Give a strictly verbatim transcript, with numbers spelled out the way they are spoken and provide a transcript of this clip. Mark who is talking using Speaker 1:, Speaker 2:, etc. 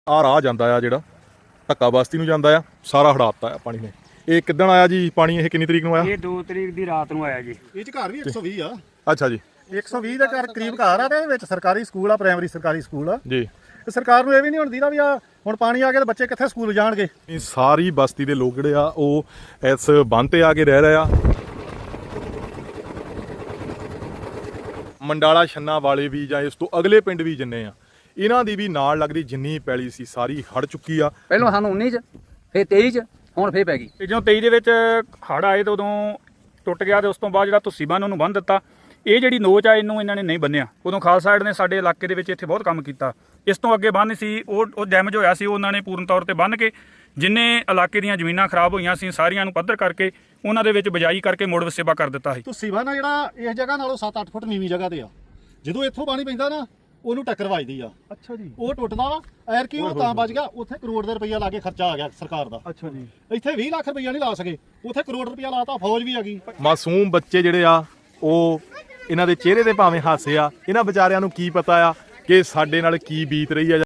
Speaker 1: ਆ ਰਾਹ ਜਾਂਦਾ ਆ ਜਿਹੜਾ ਧੱਕਾ ਬਸਤੀ ਨੂੰ ਜਾਂਦਾ ਆ, ਸਾਰਾ ਹੜਾਤਾ ਆ ਪਾਣੀ ਨੇ। ਇਹ ਕਿੱਦਣ ਆਇਆ ਜੀ ਪਾਣੀ? ਇਹ ਕਿੰਨੀ ਤਰੀਕ ਨੂੰ ਆਇਆ?
Speaker 2: ਇਹ ਦੋ ਤਰੀਕ ਦੀ ਰਾਤ ਨੂੰ ਆਇਆ ਜੀ।
Speaker 3: ਇਹ ਚ ਘਰ ਵੀ ਇੱਕ ਸੌ ਵੀਹ ਆ।
Speaker 1: ਅੱਛਾ ਜੀ,
Speaker 3: ਇੱਕ ਸੌ ਵੀਹ ਦੇ ਘਰ ਕਰੀਬ ਘਰ ਆ ਤੇ ਵਿੱਚ ਸਰਕਾਰੀ ਸਕੂਲ ਆ, ਪ੍ਰਾਇਮਰੀ ਸਰਕਾਰੀ ਸਕੂਲ ਆ
Speaker 1: ਜੀ।
Speaker 3: ਤੇ ਸਰਕਾਰ ਨੂੰ ਇਹ ਵੀ ਨਹੀਂ ਹੁਣ ਦੀਦਾ ਵੀ ਆ ਹੁਣ ਪਾਣੀ ਆ ਗਿਆ ਤੇ ਬੱਚੇ ਕਿੱਥੇ ਸਕੂਲ ਜਾਣਗੇ।
Speaker 1: ਇਹ ਸਾਰੀ ਬਸਤੀ ਦੇ ਲੋਕ ਜਿਹੜੇ ਆ ਉਹ ਇਸ ਬੰਨ੍ਹ ਤੇ ਆ ਕੇ ਰਹਿ ਰਹੇ ਆ। ਮੰਡਾਲਾ ਛੰਨਾ ਵਾਲੇ ਵੀ ਜਾਂ ਇਸ ਤੋਂ ਅਗਲੇ ਪਿੰਡ ਵੀ ਜਿੰਨੇ ਆ, ਇਹਨਾਂ ਦੀ ਵੀ ਨਾਲ ਲੱਗਦੀ ਜਿੰਨੀ ਪੈਲੀ ਸੀ ਸਾਰੀ ਹੜ ਚੁੱਕੀ ਆ।
Speaker 4: ਪਹਿਲਾਂ ਸਾਨੂੰ ਉੱਨੀ ਚ, ਫਿਰ ਤੇਈ ਚ, ਹੁਣ ਫੇਰ ਪੈ ਗਈ।
Speaker 2: ਤੇ ਜਦੋਂ ਤੇਈ ਦੇ ਵਿੱਚ ਹੜ੍ਹ ਆਏ ਤਾਂ ਉਦੋਂ ਟੁੱਟ ਗਿਆ ਤੇ ਉਸ ਤੋਂ ਬਾਅਦ ਜਿਹੜਾ ਤੁਸੀਂ ਬੰਨ ਉਹਨੂੰ ਬੰਨ ਦਿੱਤਾ। ਇਹ ਜਿਹੜੀ ਨੋਚ ਆ ਇਹਨੂੰ ਇਹਨਾਂ ਨੇ ਨਹੀਂ ਬੰਨਿਆ। ਉਦੋਂ ਖਾਲਸਾ ਏਡ ਨੇ ਸਾਡੇ ਇਲਾਕੇ ਦੇ ਵਿੱਚ ਇੱਥੇ ਬਹੁਤ ਕੰਮ ਕੀਤਾ। ਇਸ ਤੋਂ ਅੱਗੇ ਬੰਨ ਸੀ ਉਹ ਉਹ ਡੈਮੇਜ ਹੋਇਆ ਸੀ, ਉਹਨਾਂ ਨੇ ਪੂਰਨ ਤੌਰ ਤੇ ਬੰਨ ਕੇ ਜਿੰਨੇ ਇਲਾਕੇ ਦੀਆਂ ਜ਼ਮੀਨਾਂ ਖਰਾਬ ਹੋਈਆਂ ਸੀ ਸਾਰੀਆਂ ਨੂੰ ਪੱਧਰ ਕਰਕੇ ਉਹਨਾਂ ਦੇ ਵਿੱਚ ਬਿਜਾਈ ਕਰਕੇ ਮੁੜ ਵਸੇਬਾ ਕਰ ਦਿੱਤਾ ਸੀ।
Speaker 3: ਤੁਸੀਂ ਬੰਨ ਜਿਹੜਾ ਇਸ ਜਗ੍ਹਾ ਨਾਲੋਂ ਸੱਤ ਅੱਠ ਫੁੱਟ ਨੀਵੀਂ ਜਗ੍ਹਾ ਤੇ ਆ, ਜਦੋਂ ਇੱਥੋਂ ਪਾਣੀ ਪੈਂਦਾ ਨਾ ਉਹਨੂੰ ਟੱਕਰ ਵੱਜਦੀ ਆ।
Speaker 1: ਅੱਛਾ ਜੀ,
Speaker 3: ਉਹ ਟੁੱਟਦਾ ਵਾ। ਐਰ ਕੀ ਉਹ ਤਾਂ ਬਚ ਗਿਆ, ਉੱਥੇ ਕਰੋੜ ਦੇ ਰੁਪਈਆ ਲਾ ਕੇ ਖਰਚਾ ਆ ਗਿਆ ਸਰਕਾਰ ਦਾ।
Speaker 1: ਅੱਛਾ ਜੀ।
Speaker 3: ਇੱਥੇ ਵੀਹ ਲੱਖ ਰੁਪਈਆ ਨਹੀਂ ਲਾ ਸਕੇ, ਉੱਥੇ ਕਰੋੜ ਰੁਪਈਆ ਲਾਤਾ, ਫੌਜ ਵੀ ਆ ਗਈ।
Speaker 1: ਮਾਸੂਮ ਬੱਚੇ ਜਿਹੜੇ ਆ ਉਹ ਇਹਨਾਂ ਦੇ ਚਿਹਰੇ ਤੇ ਭਾਵੇਂ ਹਾਸੇ ਆ, ਇਹਨਾਂ ਵਿਚਾਰਿਆਂ ਨੂੰ ਕੀ ਪਤਾ ਆ ਕਿ ਸਾਡੇ ਨਾਲ ਕੀ ਬੀਤ ਰਹੀ ਆ।